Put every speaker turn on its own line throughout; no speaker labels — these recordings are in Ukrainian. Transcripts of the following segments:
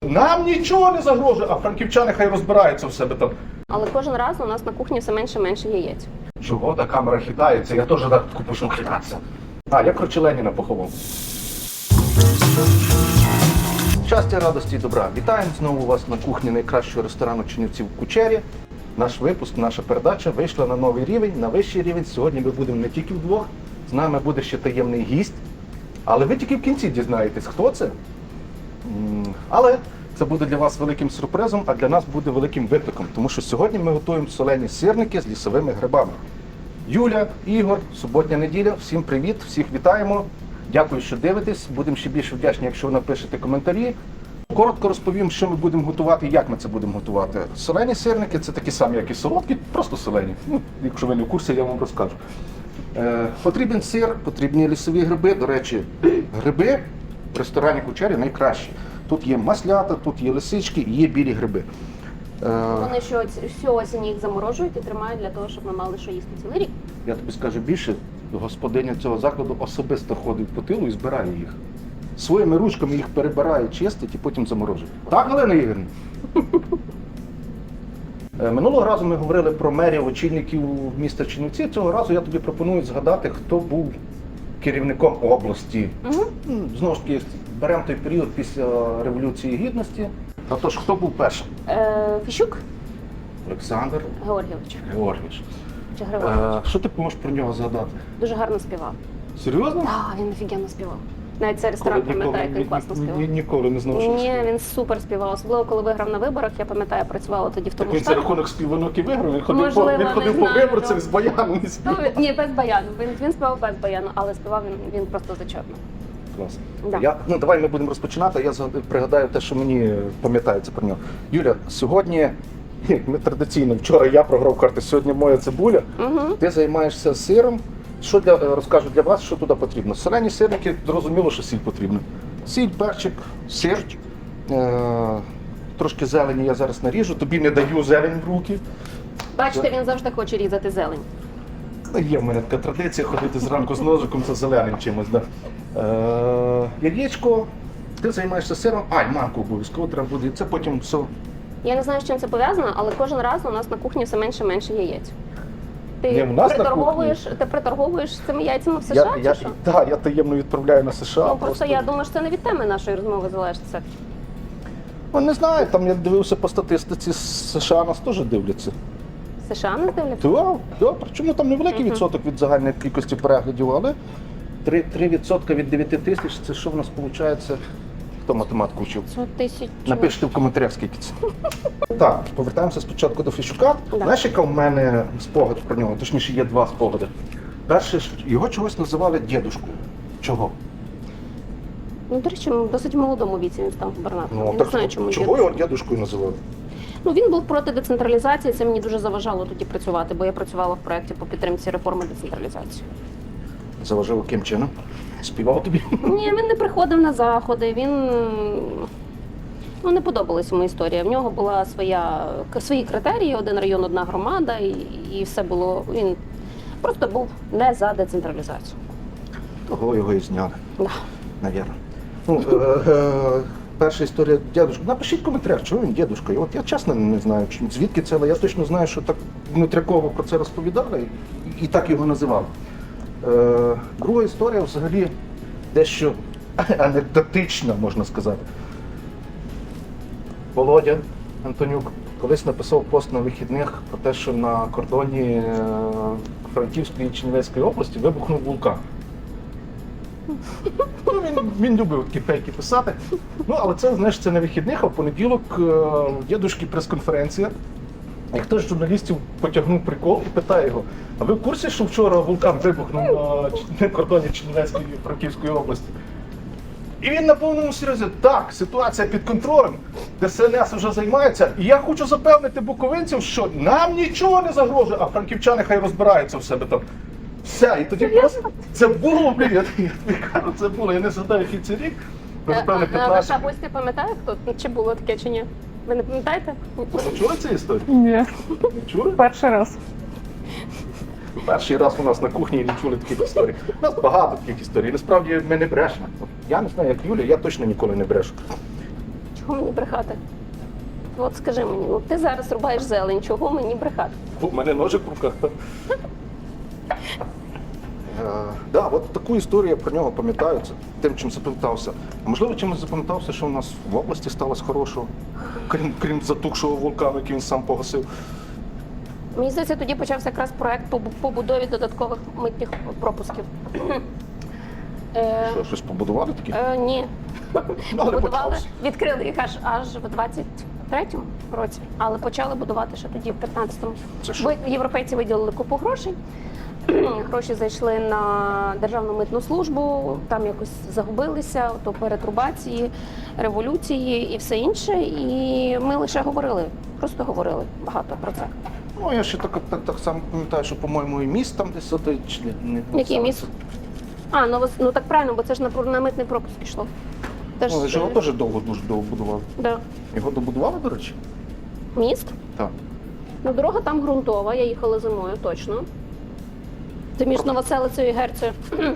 Нам нічого не загрожує, а франківчани хай розбираються в себе там.
Але кожен раз у нас на кухні все менше і менше яєць.
Чого та камера хитається? Я теж так почну хитатися. А, я короче Леніна поховав. Щастя, радості і добра. Вітаємо знову вас на кухні найкращого ресторану Чернівців Кучері. Наш випуск, наша передача вийшла на новий рівень, на вищий рівень. Сьогодні ми будемо не тільки вдвох, з нами буде ще таємний гість. Але ви тільки в кінці дізнаєтесь, хто це. Але це буде для вас великим сюрпризом, а для нас буде великим викликом. Тому що сьогодні ми готуємо солені сирники з лісовими грибами. Юля, Ігор, суботня неділя. Всім привіт, всіх вітаємо. Дякую, що дивитесь. Будемо ще більше вдячні, якщо ви напишете коментарі. Коротко розповім, що ми будемо готувати і як ми це будемо готувати. Солені сирники – це такі самі, як і солодкі, просто солені. Якщо ви не в курсі, я вам розкажу. Потрібен сир, потрібні лісові гриби. До речі, гриби в ресторані Кучері найкращі. Тут є маслята, тут є лисички і є білі гриби.
Вони всю осінь їх заморожують і тримають для того, щоб ми мали що їсти цілий рік.
Я тобі скажу більше, господиня цього закладу особисто ходить по тилу і збирає їх. Своїми ручками їх перебирає, чистить і потім заморожує. Так, Галина Ігорівна? Минулого разу ми говорили про мерів, очільників міста Чернівці. Цього разу я тобі пропоную згадати, хто був керівником області. Знову ж таки, беремо той період після Революції Гідності. Отож, хто був першим?
Фіщук
Олександр
Георгійович.
Георгійович.
Чи Григорович.
Що ти можеш про нього згадати?
Дуже гарно співав.
Серйозно?
Так, він офігенно співав. Навіть цей ресторан пам'ятає, як він класно співав.
Ніколи не знав, що він
Ні,
співав.
він супер співав. Особливо, коли виграв на виборах. Я пам'ятаю, працювала тоді в тому
Так він за
штабі.
рахунок співанок і виграв, він ходив
Можливо,
він ходив
не
по
знаю,
виборцях
ну.
з баяном і співав.
Ні, без баяну. Він співав без баяну, але співав він просто зачетно.
Клас.
Да.
Давай ми будемо розпочинати, я пригадаю те, що мені пам'ятається про нього. Юля, сьогодні, ми традиційно, вчора я програв карти, сьогодні моя цибуля. Ти займаєшся сиром. Що розкажу для вас, що туди потрібно? Солені сирники, зрозуміло, що сіль потрібна. Сіль, перчик, сир, трошки зелені я зараз наріжу, тобі не даю зелень в руки.
Бачите, він завжди хоче різати зелень.
Є в мене така традиція ходити зранку з ножиком за зеленим чимось. Да. Яєчко, ти займаєшся сиром, манку обов'язково треба буде, і це потім все.
Я не знаю, з чим це пов'язано, але кожен раз у нас на кухні все менше і менше яєць.
Ні, у нас на
Ти приторговуєш цими яйцями в США, чи що?
Так, я таємно відправляю на США.
Ну, просто я думаю, що це не від теми нашої розмови залежить. Це.
Ну, не знаю, там я дивився по статистиці, США нас теж дивляться.
США не здивляться?
Так, причому там невеликий відсоток від загальної кількості переглядів, але 3% від 9 тисяч, це що в нас виходить? Хто математику вчив?
100 тисяч.
Напишіть в коментарях, скільки це. Так, повертаємося спочатку до Фіщука.
Да.
Знаєш, яка в мене спогад про нього? Точніше, є два спогади. Перше, його чогось називали дідушкою. Чого?
Ну, до речі, в досить молодому віці він став губернатором. Я не
так
знаю, чому
чого його дідушкою називали?
Ну, він був проти децентралізації, це мені дуже заважало тоді працювати, бо я працювала в проєкті по підтримці реформи децентралізації.
Заважав яким чином? Співав тобі?
Ні, він не приходив на заходи, він не подобалась йому історія. В нього була свої критерії, один район, одна громада, і все було. Він просто був не за децентралізацію.
Того його і зняли,
Да.
навірно. Перша історія дідушка. Напишіть в коментарях, чого він дідушкою. От я чесно не знаю, звідки це, але я точно знаю, що так внутряково про це розповідали і так його називали. Друга історія взагалі дещо анекдотична, можна сказати. Володя Антонюк колись написав пост на вихідних про те, що на кордоні Франківської і Чернівецької області вибухнув вулкан. Він любив такі фейки писати. Але це, знаєш, це на вихідних, а в понеділок у дідушки прес-конференція. І хтось з журналістів потягнув прикол і питає його: а ви в курсі, що вчора вулкан вибухнув на кордоні Чернівецької і Франківської області? І він на повному серйозі: так, ситуація під контролем, ДСНС вже займається, і я хочу запевнити буковинців, що нам нічого не загрожує, а франківчани хай розбираються в себе там. Все, і тоді просто це було, я тобі кажу, це було, я не згадаю, який це рік.
Ваша гостя пам'ятає, хто? Чи було таке, чи ні? Ви не пам'ятаєте?
Ви чули цю історію?
Ні,
Не чули?
перший раз.
Перший раз у нас на кухні і не чули таких історій. У нас багато таких історій. Насправді ми не брешемо. Я не знаю, як Юля, я точно ніколи не брешу.
Чого мені брехати? От скажи мені, ну ти зараз рубаєш зелень, чого мені брехати?
У мене ножик в руках. Да, от таку історію я про нього пам'ятаю, це тим, чим запам'ятався. А можливо, чимось запам'ятався, що у нас в області сталося хорошого, крім затухшого вулкану, який він сам погасив.
Мені здається, тоді почався якраз проект по побудові додаткових митних пропусків.
Що, щось побудували таке?
Ні.
Але
Побудували,
почався.
відкрили їх аж в 23-му році, але почали будувати ще тоді, в 15-му.
Це що?
Європейці виділили купу грошей. Гроші зайшли на Державну митну службу, там якось загубилися, то перетрубації, революції і все інше. І ми лише говорили, просто говорили багато про це.
Ну, я ще так само пам'ятаю, що, по-моєму, і міст там десь отий, чи не.
Який міст? А, ну так правильно, бо це ж на митний пропуск йшло. Теж,
Ну, його теж дуже довго будували.
да.
Його добудували, до речі?
Міст?
Так.
Ну, дорога там ґрунтова, я їхала зимою, точно. Це між Новоселицею і Герцею.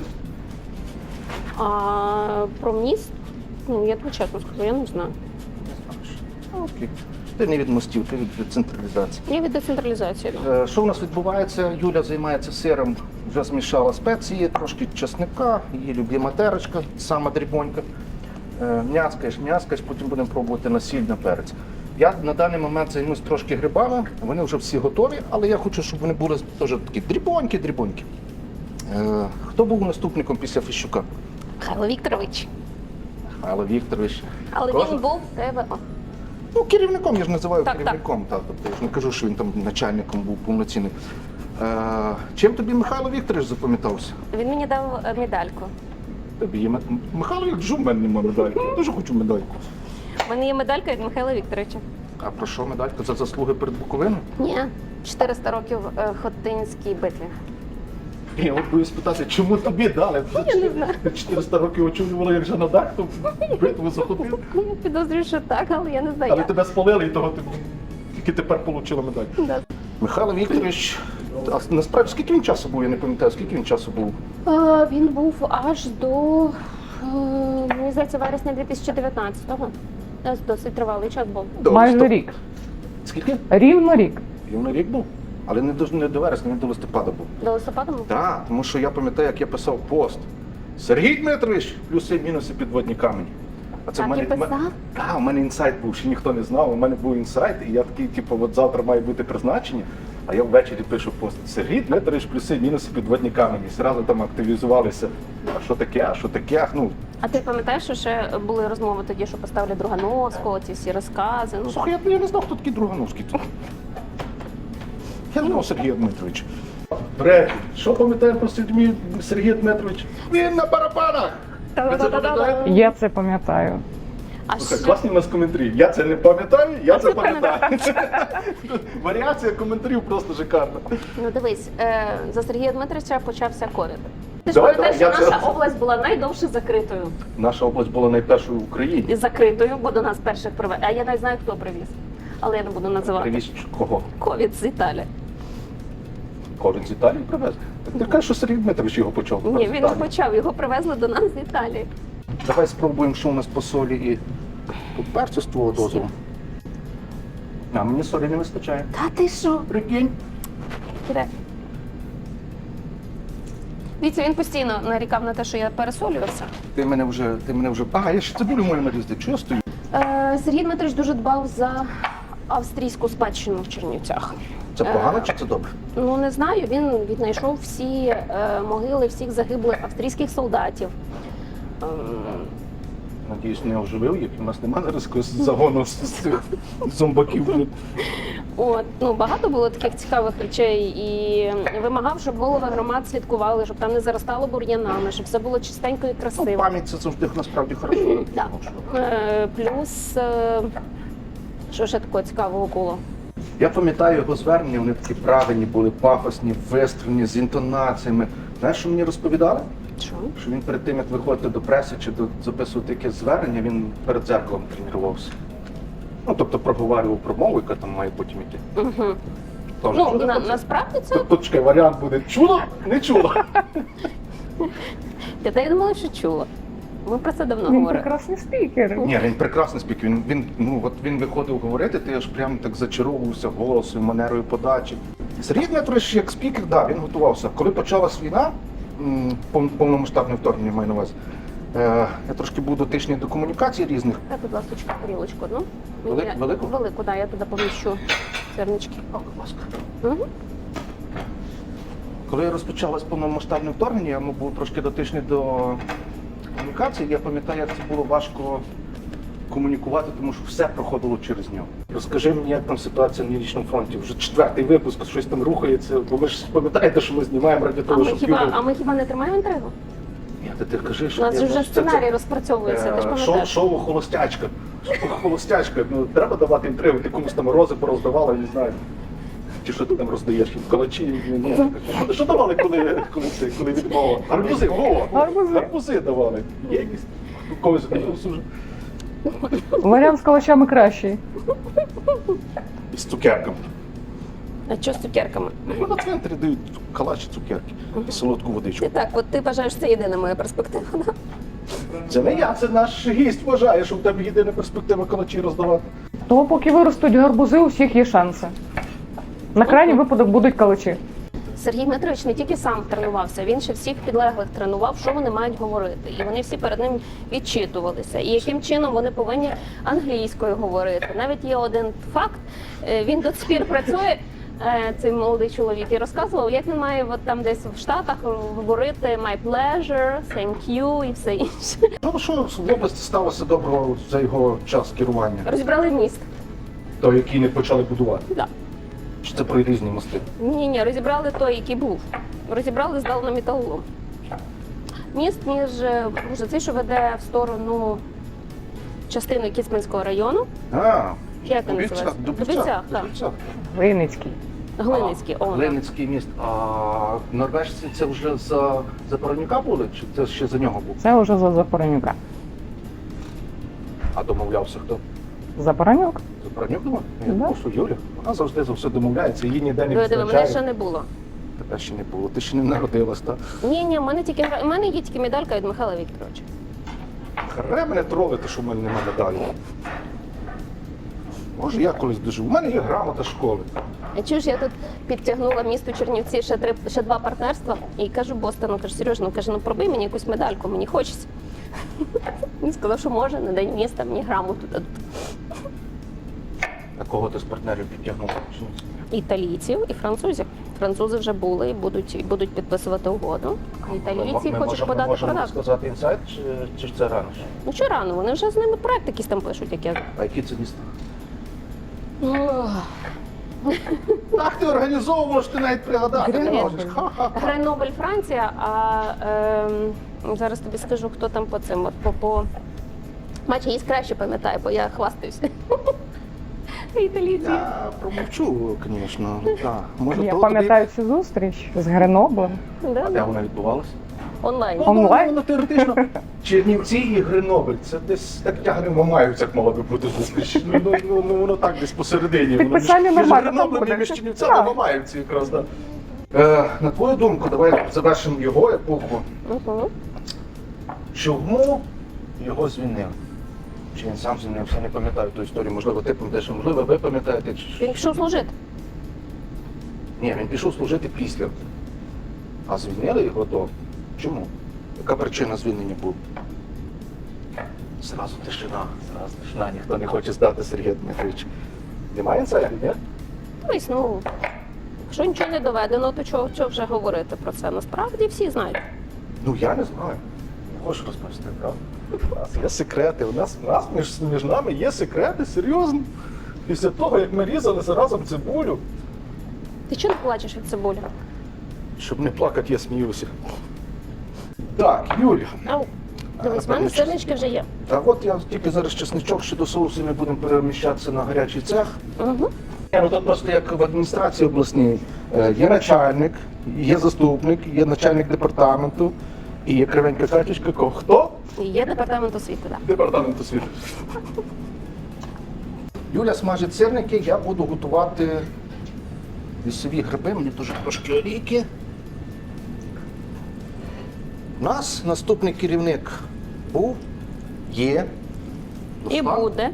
А про міст, ну, я тобі чесно скажу, я не знаю.
Окей. Ти не від мостів, ти від децентралізації.
Я від децентралізації.
Що у нас відбувається? Юля займається сиром, вже змішала спеції, трошки чесника, її любима терочка, сама дрібонька. М'яскаєш, потім будемо пробувати на сіль, на перець. Я на даний момент займусь трошки грибами, вони вже всі готові, але я хочу, щоб вони були теж такі дрібонькі. Хто був наступником після Фіщука?
Михайло Вікторович.
Михайло Вікторович.
Але
Кожен-
він був в тебе.
Ну, керівником, я ж називаю
Так,
керівником. Тобто, я ж не кажу, що він там начальником був повноцінним. Чим тобі Михайло Вікторович запам'ятався?
Він мені дав медальку.
Тобі є Михайло Вікторович, в мене немає медальки. Я дуже хочу медальку.
У мене є медалька від Михайла Вікторовича.
А про що медалька? За заслуги перед Буковиною?
Ні, 400 років Хотинській битві.
Я от боюсь питати, чому тобі дали?
Я не знаю.
400 років очолювала, як же на дах, то битву захопив.
Я підозрюю, що так, але я не знаю.
Але
як.
тебе спалили і того ти тільки тепер отримала медаль.
Да.
Михайло Вікторович, а насправді скільки він часу був, я не пам'ятаю, скільки він часу був?
Він був аж до, мені здається, вересня 2019-го. Досить тривалий час був.
Майже
Стоп.
рік.
Скільки?
Рівно рік.
Рівно рік був. Але не до вересня, не до листопада був.
До листопада був?
Так, тому що я пам'ятаю, як я писав пост. Сергій Дмитрович, плюси, мінуси, підводні камені. А це
Так і писав?
Так, у мене інсайт був, ще ніхто не знав. У мене був інсайт, і я такий, типу, от завтра має бути призначення. А я ввечері пишу пост. Сергій Дмитрович, плюси, мінуси, підводні камені. І зразу там активізувалися. А що таке, а що таке? Ну,
А ти пам'ятаєш, що ще були розмови тоді, що поставлять Другановського, ці всі розкази? Ну,
слухай, я не знав, хто такий Другановський. Я знав Сергія Дмитровича. Бред, що пам'ятаєш про Сергія Дмитровича? Він на барабанах! Ви це пам'ятаєте?
Я це пам'ятаю.
а
Слухай,
ще...
класні у нас коментарі. Я це не пам'ятаю, я це
ти
пам'ятаю. Варіація коментарів просто шикарна.
Ну дивись, за Сергія Дмитровича почався ковід. Ти ж
Давай,
пам'ятаєш,
давай,
що
я
наша
це-
область була найдовше закритою.
Наша область була найпершою в Україні.
І закритою, бо до нас перших привез. А я навіть знаю, хто привіз. Але я не буду називати.
Привіз кого?
Ковід з Італії.
Кожен з Італії привез. Ти кажеш, що Сергій Дмитрович його почав.
Ні,
з
він не
Італії.
почав, його привезли до нас з Італії.
Давай спробуємо, що у нас по солі і по перцю з твого дозволу. А мені солі не вистачає.
Та ти що?
Прикинь.
Іде. Дивіться, він постійно нарікав на те, що я пересолювався.
Ти мене вже. А, я ще цибулю мою нарізати. Чого я стою?
Сергій Дмитрович дуже дбав за австрійську спадщину в Чернівцях.
Це погано чи це добре?
Ну не знаю, він віднайшов всі могили всіх загиблих австрійських солдатів.
Надіюсь, не оживив їх. У нас немає зараз якогось загону з цих зомбаків.
От, ну, багато було таких цікавих речей і вимагав, щоб голови громад слідкували, щоб там не заростало бур'янами, щоб все було чистенько і
Ну,
красиво.
пам'ять це завжди насправді хорошо.
Да. Плюс, що ще такого цікавого було?
Я пам'ятаю його звернення, вони такі правильні були, пафосні, вистрілені, з інтонаціями. Знаєш, що мені розповідали?
Що?
Що він перед тим, як виходити до преси чи записувати якесь звернення, він перед дзеркалом тренувався. Ну, тобто проговорював промову, яка там має потім йти.
Угу.
Тож,
Ну,
що це?
насправді це,
Тут чекай, варіант буде чула, не чула.
я думала, що чула. Ми про це давно
Він
говорили.
прекрасний спікер.
Ні, він прекрасний спікер. Він виходив говорити, ти аж прям так зачаровувався голосом, манерою подачі. Сергій Дмитрович як спікер, да, він готувався. Коли почалась війна, повномасштабне вторгнення маю на увазі, я трошки був дотичний до комунікацій різних.
Так, будь ласка, тарілочку одну.
Велику?
Велику, так, я туди поміщу сирнички.
О, будь ласка.
Угу.
Коли розпочалось повномасштабне вторгнення, я був трошки дотичний до комунікації. Я пам'ятаю, як це було важко комунікувати, тому що все проходило через нього. Розкажи мені, як там ситуація на Північному фронті. Вже 4-й випуск, щось там рухається, бо ви ж пам'ятаєте, що ми знімаємо раді того, щоб люди...
А ми хіба не тримаємо інтригу?
Ні, ти кажи,
У
що...
нас
я
вже
знаю, що це-
сценарій розпрацьовується, ти ж пам'ятаєш.
Шоу «Холостячка». Шоу «Холостячка». Ну, треба давати інтригу, ти комусь там рози пороздавала, я не знаю. Чи що ти там роздаєш? Калачі? Ні. Що давали, коли відмова? Гарбузи, Вова! Гарбузи давали. Є якісь? Когось уже.
Варіант з калачами кращий.
І з цукерками.
А що з цукерками?
Ну, на центрі дають калачі, цукерки і солодку водичку.
І так, от ти вважаєш, це єдина моя перспектива, да?
Це не я, це наш гість вважає, що в тебе єдина перспектива калачі роздавати.
Того, поки виростуть гарбузи, у всіх є шанси. На крайній випадок будуть калачі.
Сергій Дмитрович не тільки сам тренувався, він ще всіх підлеглих тренував, що вони мають говорити. І вони всі перед ним відчитувалися. І яким чином вони повинні англійською говорити. Навіть є один факт, він до цих пір працює, цей молодий чоловік, і розказував, як він має от там десь в Штатах говорити my pleasure, thank you і все інше.
Ну, що в області сталося доброго за його час керування,
Розібрали міст.
той, який не почали будувати?
Да.
Чи це про різні мости?
Ні, розібрали той, який був. Розібрали, здали на металолом. Міст між цей, що веде в сторону частини Кіцманського району. Як він називається? Дубівцях, так.
Винницький.
Глиницький.
Глиницький міст. А норвежці це вже за Паранюка були, чи це ще за нього був?
Це вже за Запоронюка.
А домовлявся хто?
Запоронюк?
За Паранюк думав?
Да.
Ну, що Юля? Вона завжди за все домовляється, її ніде не
Диви, мене ще
відзначає.
не було.
Тебе ще не було, ти ще не народилась, так?
Ні, в мене є тільки медалька від Михайла Вікторовича.
Харе мене тролити, що в мене немає медалі. Може, я колись дожив. У мене є грамота школи.
А чуєш, я тут підтягнула місту Чернівці ще 2 партнерства і кажу Бостону, кажу, Сереж, ну пробий мені якусь медальку, мені хочеться. Він сказав, що може, на день міста мені грамоту дадуть.
А кого ти з партнерів підтягнув?
Італійців і французів. Французи вже були і будуть підписувати угоду. А італійці хочуть подати
можемо
продажу.
сказати інсайт, чи це рано?
Ну що рано, вони вже з ними проект якийсь там пишуть, як я.
А які це міста?
Ох.
Так ти організовуєш, ти навіть пригадати не
Гренобль.
можеш. Ха-ха-ха.
Гренобль, Франція, а зараз тобі скажу, хто там по цим. По... Бачиш, її краще пам'ятаю, бо я хвастаюся. Італійці.
Я промовчу, звісно. Так. Може,
Я
то
пам'ятаю цю зустріч з Греноблем.
Да,
тобі... Де вона відбувалася?
онлайн.
Онлайн?
Ну, теоретично. Чернівці і Гренобль. Це десь так тягне Мамаївця, як мала би бути зустріч. Ну, воно так десь посередині. Воно
Підписання
між
нормально,
Греноблем
там
і між
буде.
Чернівцями
Так.
Мамаївці якраз, так. На твою думку, давай завершимо його епоху.
Угу.
Чому його звільнили? Чи він сам звільнився, не пам'ятаю ту історію. Можливо, ти пам'ятаєш, можливо, ви пам'ятаєте.
Він пішов служити.
Ні, він пішов служити після. А звільнили його то. Чому? Яка причина звільнення була? Зразу тишина, ніхто не хоче здати Сергія Дмитровича. Немає інсайдів, ні?
Тобто, ну, якщо нічого не доведено, то чого вже говорити про це? Насправді всі знають.
Ну я не знаю. Не хочу розповісти, правда? У нас є секрети, у нас між нами є секрети, серйозно. Після того, як ми різали разом цибулю,
Ти чого не плачеш від цибулі?
щоб не плакати, я сміюся. Так, Юлія.
Ау, дивись, в мене сирнички вже є.
А от я тільки зараз чесничок ще до соусу, ми будемо переміщатися на гарячий цех.
Угу.
Ну тут просто як в адміністрації обласній є начальник, є заступник, є начальник департаменту і є кривенька Катюшка. Хто?
І є департамент освіти, так.
Департамент освіти. Юля смажить сирники, я буду готувати лісові гриби, мені дуже трошки олійки. У нас наступний керівник був, є.
І
Руслан.
буде.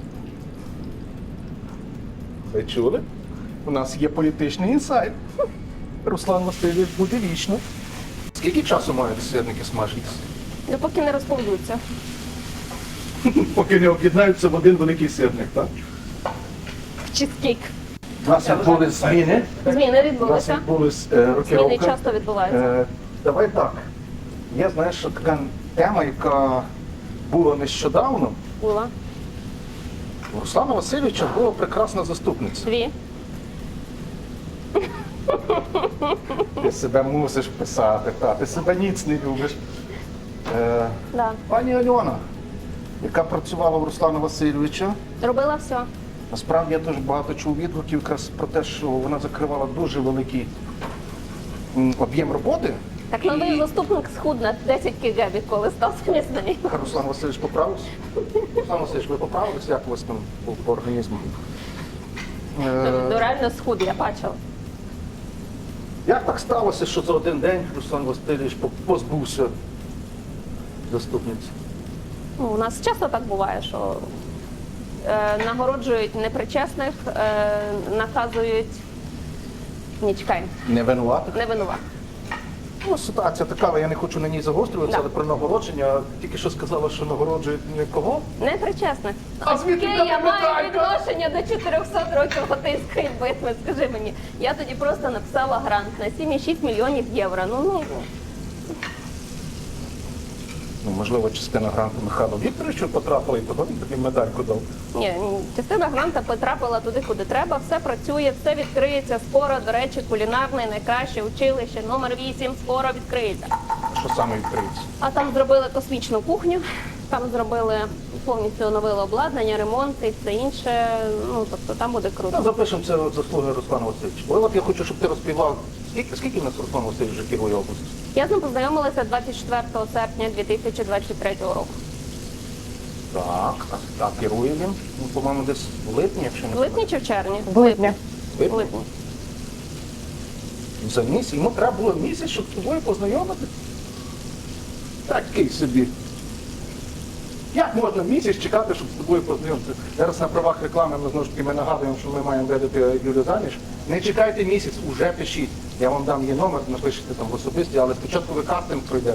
Ви чули? У нас є політичний інсайт. Руслан Васильович буде вічно. Скільки часу мають сирники смажитися?
Допоки не розповзуться.
Поки не об'єднаються в один великий сирник, так?
Чизкейк.
У нас відбули зміни.
Зміни
У нас
відбулися.
відбулись
Зміни
рокировка.
часто відбуваються.
Давай так. Є, знаєш, що така тема, яка була нещодавно.
Була.
У Руслана Васильовича була прекрасна заступниця.
Дві.
Ти себе мусиш писати, та, ти себе ніц не любиш.
Да.
Пані Альона, яка працювала у Руслана Васильовича,
Робила все.
насправді я дуже багато чув відгуків якраз про те, що вона закривала дуже великий об'єм роботи.
Так новий заступник схуд на 10 кг, відколи став смісний.
Руслан Васильович поправився? Руслан Васильович, ви поправилися, як у вас там по організму?
Ну реально схуд, я бачила.
Як так сталося, що за один день Руслан Васильович позбувся заступниці?
Ну, у нас часто так буває, що нагороджують непричесних, наказують ні, чекай,
Не винуватих?
не винуват.
Ну, ситуація така, але я не хочу на ній загострюватися,
Да.
але про нагородження тільки що сказала, що нагороджують нікого.
Непричесних.
А звідки
Яке
та
я маю
медалька?
відношення до 400 років готинської битви, скажи мені. Я тоді просто написала грант на 7,6 мільйонів євро. Ну,
Ну, можливо, частина гранту Михайло Вікторовичу потрапила і того він тобі медальку дав.
ні, частина гранта потрапила туди, куди треба, все працює, все відкриється скоро. До речі, кулінарне найкраще училище номер 8 скоро відкриється.
Що саме відкриється?
А там зробили космічну кухню, там зробили повністю оновили обладнання, ремонт і все інше. Ну тобто там буде круто.
Ну, запишемо це заслуги Руслана Васильовича. Бо от я хочу, щоб ти розповідав, скільки в нас Руслан Васильович вже керує областю?
Я з ним познайомилася 24 серпня 2023 року.
Так, а керує він, ну, по-моєму, десь в липні, якщо не
В липні чи в червні?
В липні.
В липні.
За місяць. Йому треба було місяць, щоб з тобою познайомити. Такий собі. Як можна місяць чекати, щоб з тобою познайомитися? Зараз на правах реклами ми знову ж таки ми нагадуємо, що ми маємо видати Юлю заміж. Не чекайте місяць, уже пишіть. Я вам дам її номер, напишете там в особисті, але спочатку ви кастинг пройдете.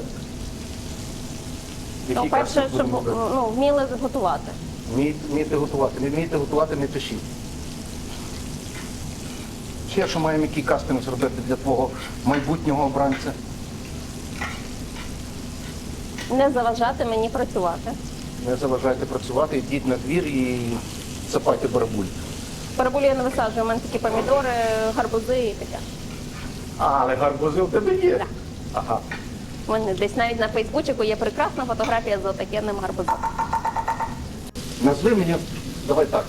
Ну,
Який
перше,
кастинг
щоб
будемо робити?
вміли готувати.
Вмієте готувати. Не вмієте готувати, не пишіть. Ще що маємо який кастинг зробити для твого майбутнього обранця?
Не заважати мені працювати.
Не заважайте працювати, йдіть на двір і сапайте барабуль.
Параболі я не висаджую, у мене такі помідори, гарбузи і таке.
Але гарбузи в тебе є.
Да.
Ага.
У мене десь навіть на Фейсбучику є прекрасна фотографія з отакенним гарбузом.
Назви мені, давай так,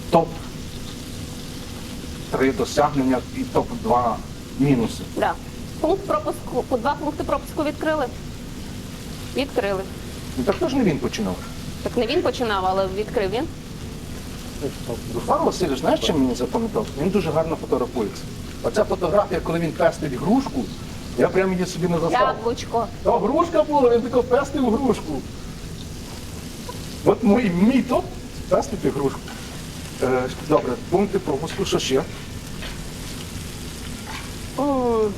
топ-3 досягнення і топ-2 мінуси.
Да. Пункт пропуску, по 2 пункти пропуску відкрили. Відкрили.
Ну, так теж не він починав.
Так не він починав, але відкрив він.
Руслан Васильович, знаєш, чим мені запам'ятав? Він дуже гарно фотографується. Оця фотографія, коли він пестить грушку, я прямо її собі не застав.
Яблучко.
Та грушка була, він тако пестив грушку. От мій топ пестити грушку. Добре, пункти пропуску, що ще?
М,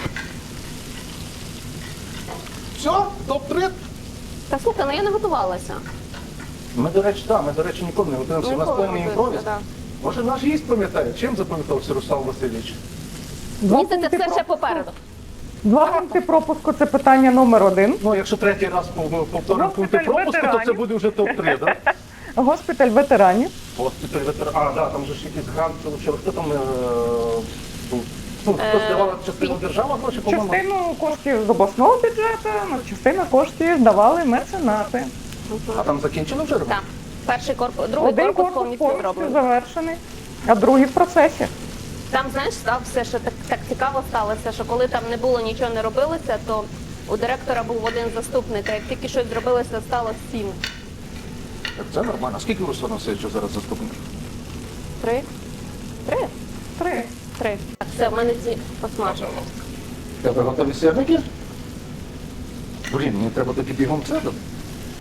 Все, топ-3.
Та слухай, ну я не готувалася.
Ми, до речі, ніколи не готуємося. У нас
Ніколи не
певний
готуємося,
імпровіз.
да.
Може, наш гість пам'ятає, чим запам'ятався Руслан Васильович?
Мені це все ще попереду.
2 пункти пропуску це питання номер 1.
Ну, якщо третій раз повторимо пункти пропуску, то це
ветеранів.
буде вже топ-3, так?
Госпіталь ветеранів.
Госпіталь ветеран. А, да, там же ж якийсь грант получив. Хто там був? Ну, хто здавала частину держава гроші, по-моєму?
Частину коштів з обласного бюджету, частину коштів здавали меценати.
А там закінчили вже робити?
Так. Перший корпус, другий
Один
корпус
корпус
повністю
повністю
зроблений.
завершений, а другий в процесі.
Там, знаєш, став все, що так цікаво сталося, що коли там не було, нічого не робилося, то у директора був один заступник, а як тільки щось зробилося, стало 7.
Так це нормально. Скільки у Руслана Васильовича зараз заступників?
3? 3?
3.
3. Так, все, в мене ці посмажили.
Тебе готові сирники? Блін, мені треба тоді бігом це дати.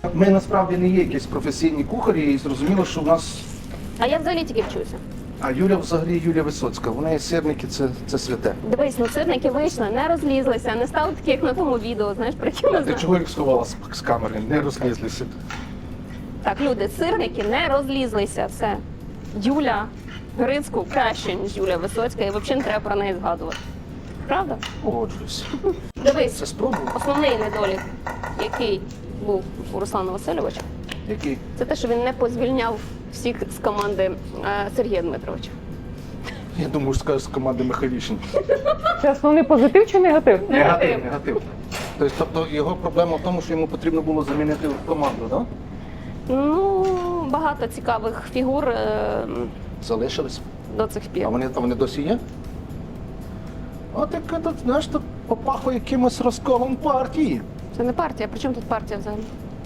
Ми насправді не є якісь професійні кухарі, і зрозуміло, що в нас.
А я взагалі тільки вчуся.
А Юля взагалі Юлія Висоцька. Вона є сирники, це святе.
Дивись, ну сирники вийшли, не розлізлися, не стали такі, як на тому відео, знаєш, про які ми
А ти
знаємо.
чого їх сховала з камери? Не розлізлися.
Так, люди, сирники не розлізлися, все. Юля Грицьку краще, ніж Юля Висоцька, і взагалі не треба про неї згадувати. Правда?
Погоджуюся.
Дивись,
Це спробував?
основний недолік, який був у Руслана Васильовича,
Який?
це те, що він не позвільняв всіх з команди Сергія Дмитровича.
Я думаю, скажеш з команди Михайлішин.
Це основний позитив чи негатив?
Негатив. Тобто його проблема в тому, що йому потрібно було замінити команду, так?
Ну, багато цікавих фігур
Залишились.
до цих пір.
А вони досі є? От як тут, знаєш, тут попахує якимось розколом партії.
Це не партія, при чому тут партія взагалі?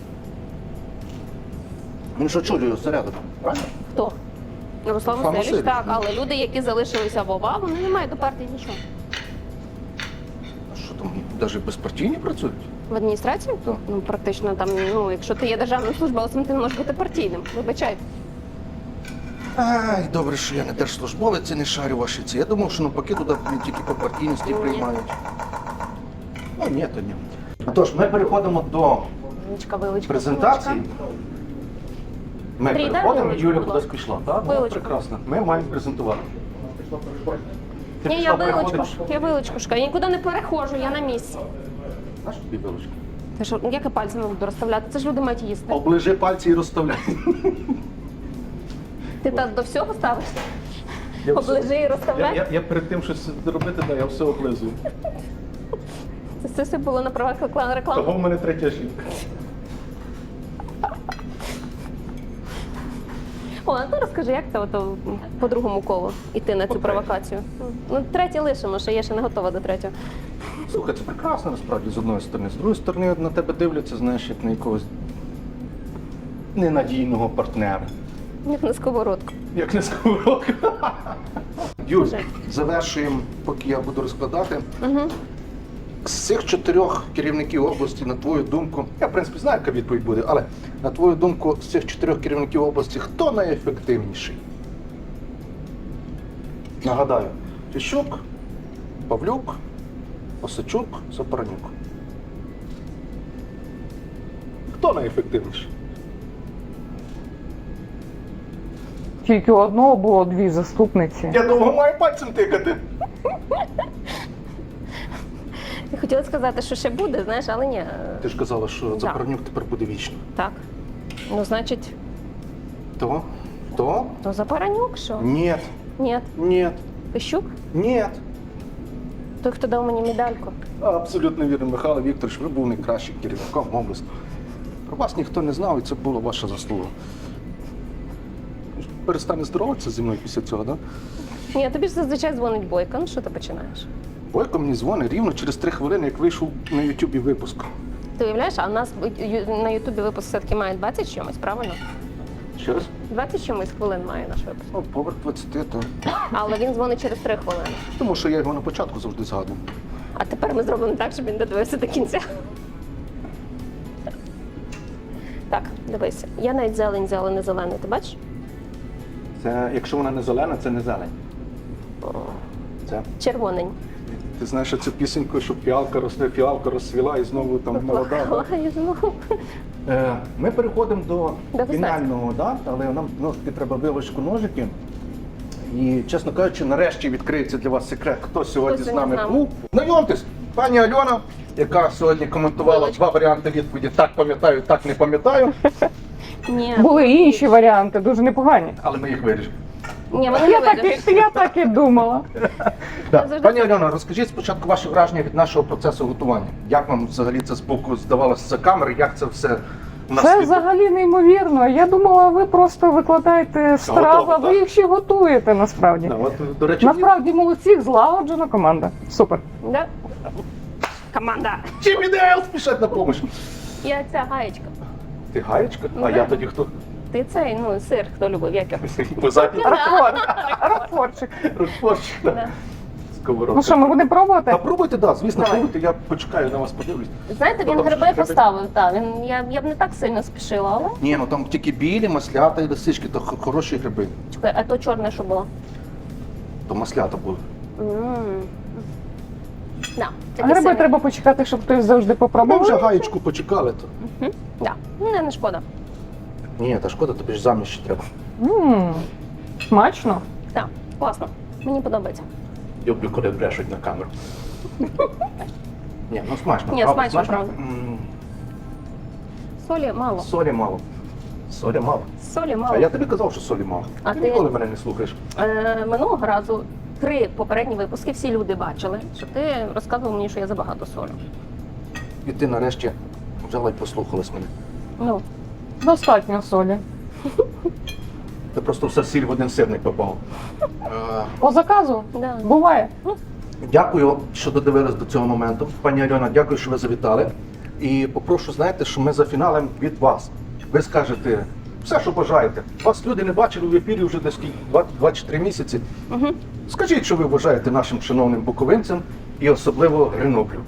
Він ж очолює осередок, правильно?
Хто? Руслан
Руслан
Васильович,
Васильович,
так,
ну.
але люди, які залишилися в ОВА, вони не мають до партії нічого.
А що там, навіть безпартійні працюють?
В адміністрації?
Так.
Ну, практично там, ну, якщо ти є державним службовцем, ти не можеш бути партійним. Вибачайте.
Ай, добре, що я не держслужбовець і не шарю ваші ці. Я думав, що навпаки туди тільки по партійності
Ні.
приймають. Ну, ні, то ні. Тож, ми переходимо до
Вилочка.
презентації. Ми
Андрій, дай
переходимо,
вилочку,
Юля
будь
кудись
ласка.
пішла. Так? Ну,
Вилочку.
прекрасно. Ми маємо презентувати. Ти
Ні,
пішла
я вилочку,
переходиш?
я вилочку шукаю. Я нікуди не перехожу, я на місці.
Знаєш, тобі вилочка?
Ти що, як я пальцями буду розставляти? Це ж люди мають їсти.
Оближи пальці і розставляй.
Ти так до всього ставишся?
Я все-
Оближи і розставляй.
Я перед тим щось зробити, я все облизую.
Це все було на правах реклами.
Того в мене третя жінка.
О, а ти розкажи, як це ото по другому колу іти на цю
По
провокацію? Ну, третє лишимо, що я ще не готова до третього.
Слухай, це прекрасно насправді з одної сторони. З другої сторони, на тебе дивляться, знаєш, як на якогось ненадійного партнера.
Як на сковородку.
Як не сковородка. Юль,
Скажи.
завершуємо, поки я буду розкладати.
Угу.
З цих 4 керівників області, на твою думку, я в принципі знаю, яка відповідь буде, але на твою думку, з цих 4 керівників області, хто найефективніший? Нагадаю, Фіщук, Павлюк, Осадчук, Сапаранюк. Хто найефективніший?
Тільки у одного було 2 заступниці.
Я довго маю пальцем тикати.
Я хотіла сказати, що ще буде, знаєш, але ні.
Ти ж казала, що Запоронюк тепер буде вічно.
Так. Ну, значить,
То?
то Запоронюк, що?
Ні,
Ні.
ні,
Пищук?
ні.
Той, хто дав мені медальку.
Абсолютно вірно, Михайло Вікторович, ви був найкращим керівником області. Про вас ніхто не знав, і це була ваша заслуга. Перестане здороватися зі мною після цього, так? Да?
Ні, тобі ж зазвичай дзвонить Бойко. Ну що ти починаєш?
Бойко мені дзвонить рівно через 3 хвилини, як вийшов на Ютубі випуск.
Ти уявляєш, а в нас на Ютубі випуск все-таки має 20 чимось, правильно?
Ще раз?
20 чимось хвилин має наш випуск.
Ну, поверх 20, то.
Але він дзвонить через 3 хвилини.
Тому що я його на початку завжди згадую.
А тепер ми зробимо так, щоб він додивився до кінця. Так, дивися. Я навіть зелень взяла, не зелений, ти бачиш?
Це, якщо вона не зелена, це не зелень. Це.
Червонень.
Ти знаєш цю пісеньку, що фіалка розцвіла і знову там молода.
Плакала і знову.
Ми переходимо до
До
фінального, да? Але нам ну, таки треба вилочку ножики. І, чесно кажучи, нарешті відкриється для вас секрет, хто сьогодні з нами був. Знайомтесь, пані Альона, яка сьогодні коментувала
Вилочка.
2 варіанти відповіді «так пам'ятаю, так не пам'ятаю»,
Ні,
Були і інші варіанти, дуже непогані.
але ми їх вирішимо.
ні, вони не вийдуть.
Я так і думала.
Да.
завжди
Пані Альона, розкажіть спочатку ваші враження від нашого процесу готування. Як вам взагалі це з боку здавалося за камери, як це все у нас
Це
відбувається?
взагалі неймовірно. Я думала, ви просто викладаєте страви,
Готово,
а ви
так?
їх ще готуєте насправді.
Да, от, до речі,
Насправді молодці, злагоджена команда. Супер.
Да? Команда.
Чим ідеал спішать на допомогу.
Я ця гаєчка.
Ти гаєчка? А
Да.
я тоді хто?
Ти цей, ну, сир, хто любив, як його?
Позаді
Ракфорчик.
розпорчик.
Да.
сковородка.
Ну що, ми будемо пробувати?
Та пробуйте, да, звісно,
Давай.
пробуйте, я почекаю, на вас подивлюсь.
Знаєте, він
Там
гриби
гриби.
поставив, так. Я б не так сильно спішила, але.
Ні, ну там тільки білі, маслята і лисички, то хороші гриби.
Чекай, а то чорне що було?
То маслята були.
Да,
А гриби треба почекати, щоб хтось завжди
Ми
попробував.
вже гаєчку почекали, то.
Да. Не шкода.
Ні, та шкода, тобі ж заміж ще треба.
Смачно.
Так, класно. Мені подобається.
Люблю, коли брешуть на камеру. Ні, ну смачно.
Ні, смачно, правда.
М,
Солі мало.
Солі мало. Солі мало.
Солі мало.
А я тобі казав, що солі мало.
А
ти
ти-
ніколи мене не слухаєш.
Минулого разу 3 попередні випуски всі люди бачили, що ти розказував мені, що я забагато солю.
І ти нарешті взяла і послухалась мене.
Ну,
Достатньо солі.
Ти просто все сіль в один сирник попав.
По заказу?
да.
Буває.
Дякую, що додивились до цього моменту. Пані Альона, дякую, що ви завітали. І попрошу, знаєте, що ми за фіналем від вас. Ви скажете все, що бажаєте. Вас люди не бачили в ефірі вже десь 2-3 місяці.
Угу.
Скажіть, що ви вважаєте нашим шановним буковинцям і особливо Греноблю.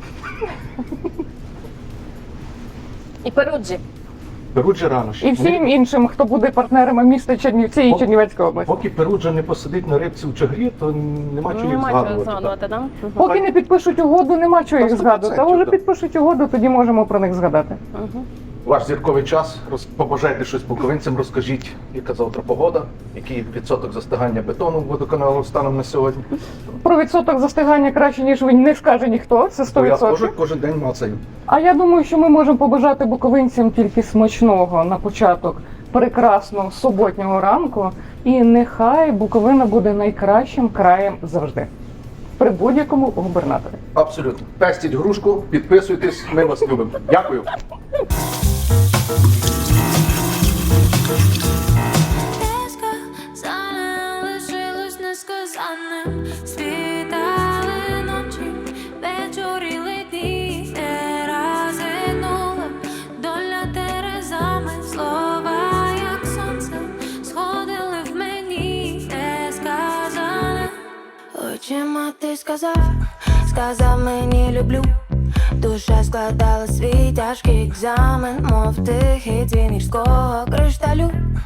І Перуджі.
Перуджа рано ще.
І всім іншим, хто буде партнерами міста Чернівці і Чернівецької області.
Поки Перуджа не посидить на рибці в чагрі, то нема чого їх
Нема чого
згадувати.
згадувати, так?
Поки не підпишуть угоду, нема чого їх
100%,
згадувати. А вже
так.
підпишуть угоду, тоді можемо про них згадати.
Угу.
Ваш зірковий час, побажайте щось буковинцям, розкажіть, яка завтра погода, який відсоток застигання бетону водоканалу станом на сьогодні.
Про відсоток застигання краще, ніж він не скаже ніхто, це
Бо я
100%.
кожен день мацаю.
А я думаю, що ми можемо побажати буковинцям тільки смачного на початок прекрасного суботнього ранку. І нехай Буковина буде найкращим краєм завжди. При будь-якому губернаторі.
Абсолютно. Пестіть грушку, підписуйтесь, ми вас любимо. Дякую.
Сказане лишилось несказаним. Світали ночі, вечоріли дні, не розгинула доля терезами. Слова, як сонце, сходили в мені несказане. Очима ти сказав мені люблю. Душа складала свій тяжкий екзамен, мов тихий дзвін гірського кришталю.